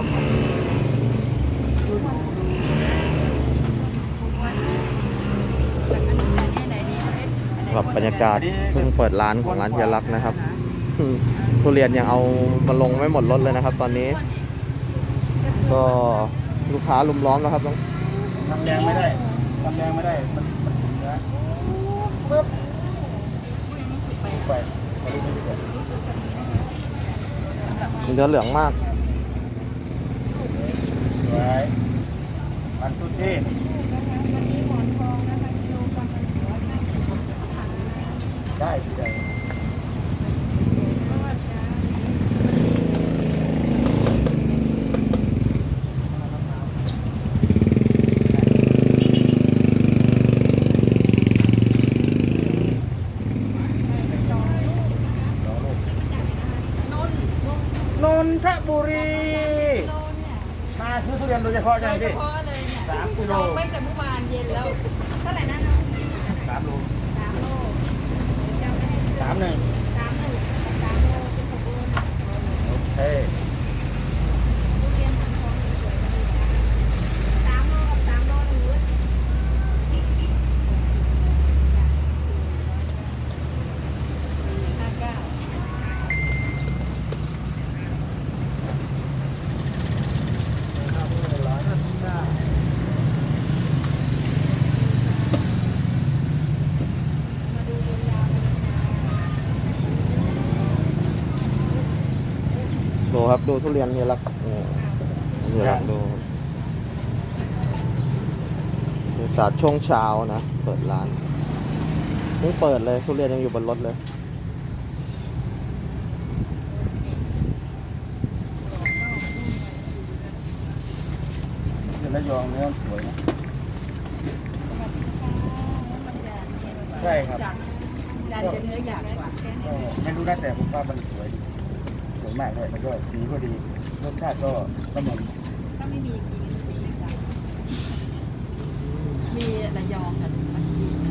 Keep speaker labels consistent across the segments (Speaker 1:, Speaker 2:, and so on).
Speaker 1: แบบบรรยากาศเพิ่งเปิดร้านของร้านเฮียรักนะครับทุเรียนยังเอามาลงไม่หมดรถเลยนะครับตอนนี้ก็ลูกค้าลุมล้อมแล้วครับ
Speaker 2: ทำแดงไม่ได้มันถึงนะปึ๊บไปมาดูนี่ดีกว่า
Speaker 1: เนื้อเหลืองมาก
Speaker 2: ไว้มันทุกที่ได้ที่ใดนนทบุรีมาซื้อทุเรียนโดยเฉพาะใช่ไหมพี่
Speaker 3: เลยเนี่ย
Speaker 2: 3 กิโล
Speaker 3: ไปแต่เมื่อวานเย็นแล้วเท่าไหร่นะน้อง
Speaker 2: 3 โล
Speaker 3: 3 โล
Speaker 2: 3 1
Speaker 3: 3 โล3 โลเป็น6 โล
Speaker 2: โอเค
Speaker 3: ทุเรียนพันทองสวยๆ3 โลกับ3 โลหรือ
Speaker 1: ดูครับดูทุเรียนเฮียรักเฮียรักดูบรรยากาศช่วงเช้านะเปิดร้านเพิ่งเปิดเลยทุเรียนยังอยู่บนรถเลย
Speaker 2: ระยองเนื้อสวยนะใช่ครับ
Speaker 3: จานจะเนื้อหยาบกว่า
Speaker 2: ไม่รู้นะแต่ผมว่ามันสวยมากเลยมันก็สีก็ดีรสชาติก็เหมือน
Speaker 3: ถ้าไม่มีกินสีจัดมีระยองกับมันกิน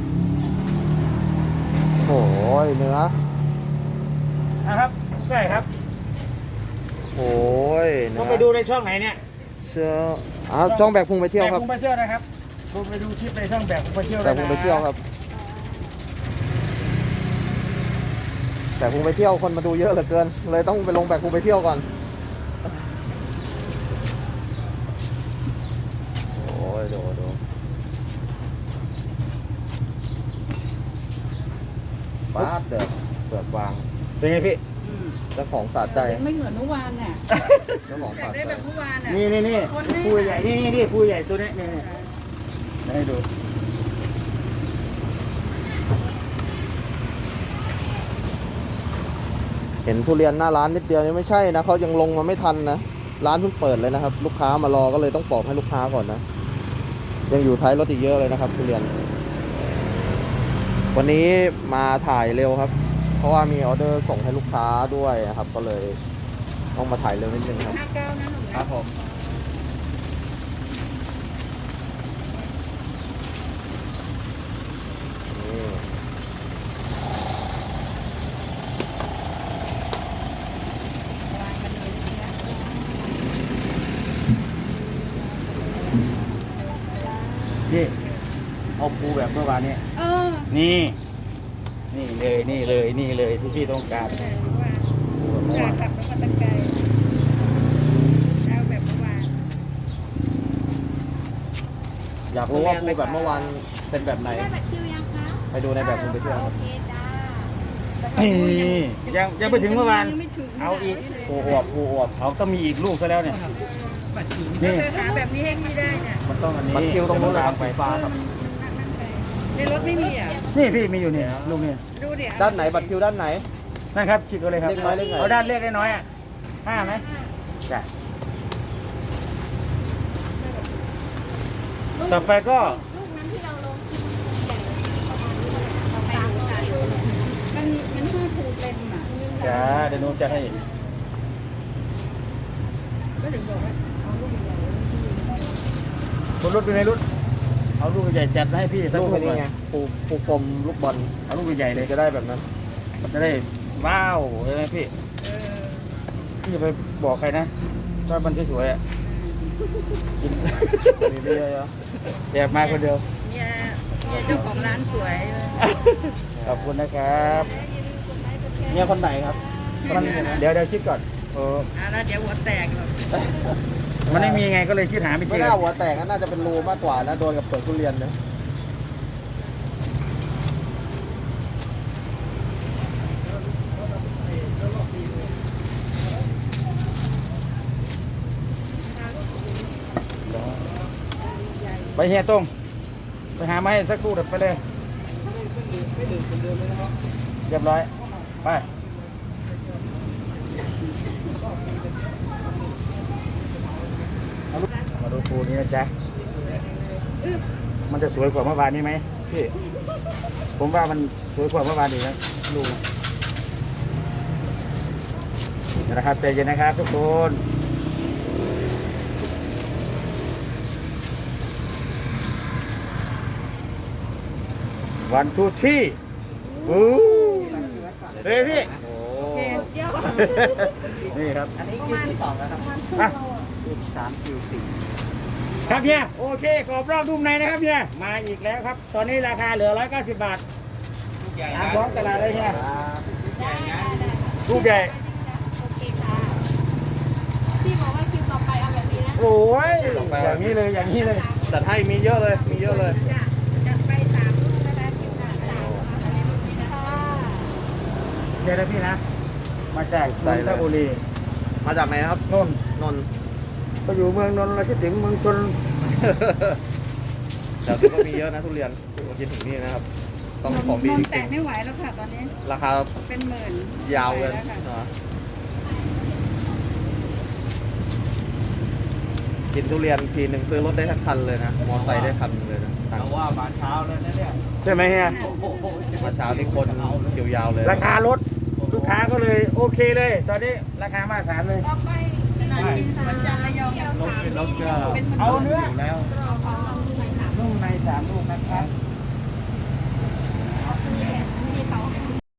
Speaker 1: โอ้ยเนื้อ
Speaker 2: นะครับใช่ครับ
Speaker 1: โอ้ย
Speaker 2: ต้องไปดูในช่องไหนเนี่ย
Speaker 1: เชื่อช่องแบกพุงไปเที่ยวครับ
Speaker 2: แบกพุงไปเที่ยวนะครับผมไปดูคลิปในช่องแบกพุงไปเที่ยว
Speaker 1: แบกพุงไปเที่ยวครับแบกพุงไปเที่ยวคนมาดูเยอะเหลือเกินเลยต้องไปลงแบกพุงไปเที่ยวก่อนโอ้ยดูป้าเดือดเปิดวาง
Speaker 2: เป็นไงพี่
Speaker 1: เจ้าของสาใจ
Speaker 3: ไม่เหมือนเมื่อวานน่ะ
Speaker 1: เจ้าของสาใจ
Speaker 3: ได้แบบเมื่อวานน่ะ
Speaker 2: นี่ผู้ใหญ่นี่ผู้ใหญ่ตัวนี้นี่ให้ดู
Speaker 1: เห็นทุเรียนหน้าร้านนิดเดียวนี่ไม่ใช่นะเขายังลงมาไม่ทันนะร้านเพิ่งเปิดเลยนะครับลูกค้ามารอก็เลยต้องปอกให้ลูกค้าก่อนนะยังอยู่ท้ายรถอีกเยอะเลยนะครับทุเรียนวันนี้มาถ่ายเร็วครับเพราะว่ามีออเดอร์ส่งให้ลูกค้าด้วยนะครับก็เลยต้องมาถ่ายเร็วนิดนึงครับ
Speaker 3: 59นะหนู
Speaker 2: ครับผมนี่เอาปูแบบเมื่อวานนี้นี่เลยที่พี่ต้องการ
Speaker 3: กลับมาตะไคร้เอาแบบเมื่อวาน
Speaker 1: อยากรู้ว่าปูแบบเมื่อวานเป็นแบบไหน
Speaker 3: ได้บัตรคิวยังคะ
Speaker 1: ไปดูในแบบปูไปเที่ยวครับ
Speaker 2: ยังไปถึงเมื่อวานเอาอีก
Speaker 1: ปูอวบ
Speaker 2: เอาต้องมีอีกลูกซะแล้วเนี่ย
Speaker 3: นี่หาแบบนี้ให้พี่ได้เนี่ย
Speaker 2: มันต้องอันนี้
Speaker 1: บัตรคิวตรงนู้นเลยครับไฟฟ้าครับ
Speaker 3: ในรถไม่มีอ่ะ
Speaker 2: นี่พี่มีอยู่เนี่ยลูกเนี่ย
Speaker 3: ดูเดี๋ยว
Speaker 1: ด้านไหนบัตรคิวด้านไหน
Speaker 2: นั่นครับคิดกันเลยครับเอาด้านเลขน้อยอ่ะ5ไหมใช่ต่อไปก็
Speaker 3: ลูกนั้นที่เราลงกินใหญ่ประมาณนี้มันชื่อภูเต็มอ่ะ
Speaker 2: จ้าเดี๋ยวหนูจะให้
Speaker 3: ก็ถึงบอกว่าเอาลูกใหญ่
Speaker 2: บนรถเป็นไงรุ่นเอาลูกใหญ่จัดให้พี่
Speaker 1: สักลูกนี่ไงปูกลมลูกบอล
Speaker 2: เอาลูกใหญ่เลย
Speaker 1: จะได้แบบนั้น
Speaker 2: จะได้ว้าวเลยนะพี่จะไปบอกใครนะก็มันสวยๆอ่ะกิน
Speaker 1: มีเบียร์เหรอ
Speaker 2: แอบมาคนเดียว
Speaker 3: เนี่ยเจ้าของร้านสวย
Speaker 2: ขอบคุณนะครับ
Speaker 1: เนี่ยคนไหนครับ
Speaker 2: มันเดี๋ยวคิดก่อน
Speaker 3: แล้วเดี๋ยวหัวแตกหรอก
Speaker 2: มันไม่มีไงก็เลยคิดหาไม่เจ
Speaker 1: ไม่
Speaker 2: อ
Speaker 1: น่าหัวแตกน่าจะเป็นรูมากกว่านะโดนกับเปลือกทุเรียนนะ
Speaker 2: ไปเฮียตรงไปหาไม้สักครู่เดี๋ยวไปเลยเรียบร้อยไปมาดูปูนี้นะจ๊ะมันจะสวยกว่าเมื่อวานนี้ไหมพี่ผมว่ามันสวยกว่าเมื่อวานอีกนะดูนะครับใจเย็นนะครับทุกคนวันทูที่อู้เฮ้ยพี่
Speaker 1: โอ้
Speaker 2: นี่ครับ
Speaker 3: อันนี้คิวที่2แล้วครับ
Speaker 2: อ่ะ
Speaker 3: คิว3คิว4
Speaker 2: ครับเฮียโอเคกรอบรอบรุ่มในนะครับเฮียมาอีกแล้วครับ ตอนนี้ราคาเหลือ190 บาทตามท้องตลาดเลยเฮียลูกใหญ่
Speaker 3: โอเคค่ะพี่บอกว่าคิวต่อไปเอาแบบนี้นะ
Speaker 2: โอ้ยอย่างนี้เลยอย่างนี้เลย
Speaker 1: จัดให้มีเยอะเลยมีเยอะเลย
Speaker 3: จะไป3ลูกนะคะคิวค่ะ3ลูกนะคะ
Speaker 2: เดี๋ยวนะพี่นะมาจากนนทบุรี
Speaker 1: มาจากไหนครับ
Speaker 2: นนท์
Speaker 1: นนท์
Speaker 2: ก็อยู่เมืองนนท์เราคิดถึงเมืองชน
Speaker 1: แต่ที่ก็มีเยอะนะทุเรียนมากินถึงนี่นะครับ ต้องของดี
Speaker 3: น
Speaker 1: จ
Speaker 3: นแตะ
Speaker 1: ริง
Speaker 3: ไม่ไหวแล้วค่ะตอนนี้
Speaker 1: ๆราคา
Speaker 3: เป็นหมื่น
Speaker 1: ยาวเลย
Speaker 3: ไปแวค่ะ
Speaker 1: กินทุเรียนทีหนึ่งซื้อรถได้ทั้งคันเลยนะ มอไซค์ได้คันเลยนะต่าง
Speaker 2: ว่ามาเช้าแล้วนะเนี่ยใช่ไหมเฮีย
Speaker 1: มาเช้านี่คนคิวยาวเลย
Speaker 2: ราคารถลูกค้าก็เลยโอเคเลย ตอนนี้ราคามาตรฐานเลย
Speaker 3: ต่อไปสนามบินสวนจันทร์ระยองกับ3นี่เป็นหมื่น
Speaker 2: เอาเนื้อ
Speaker 3: ก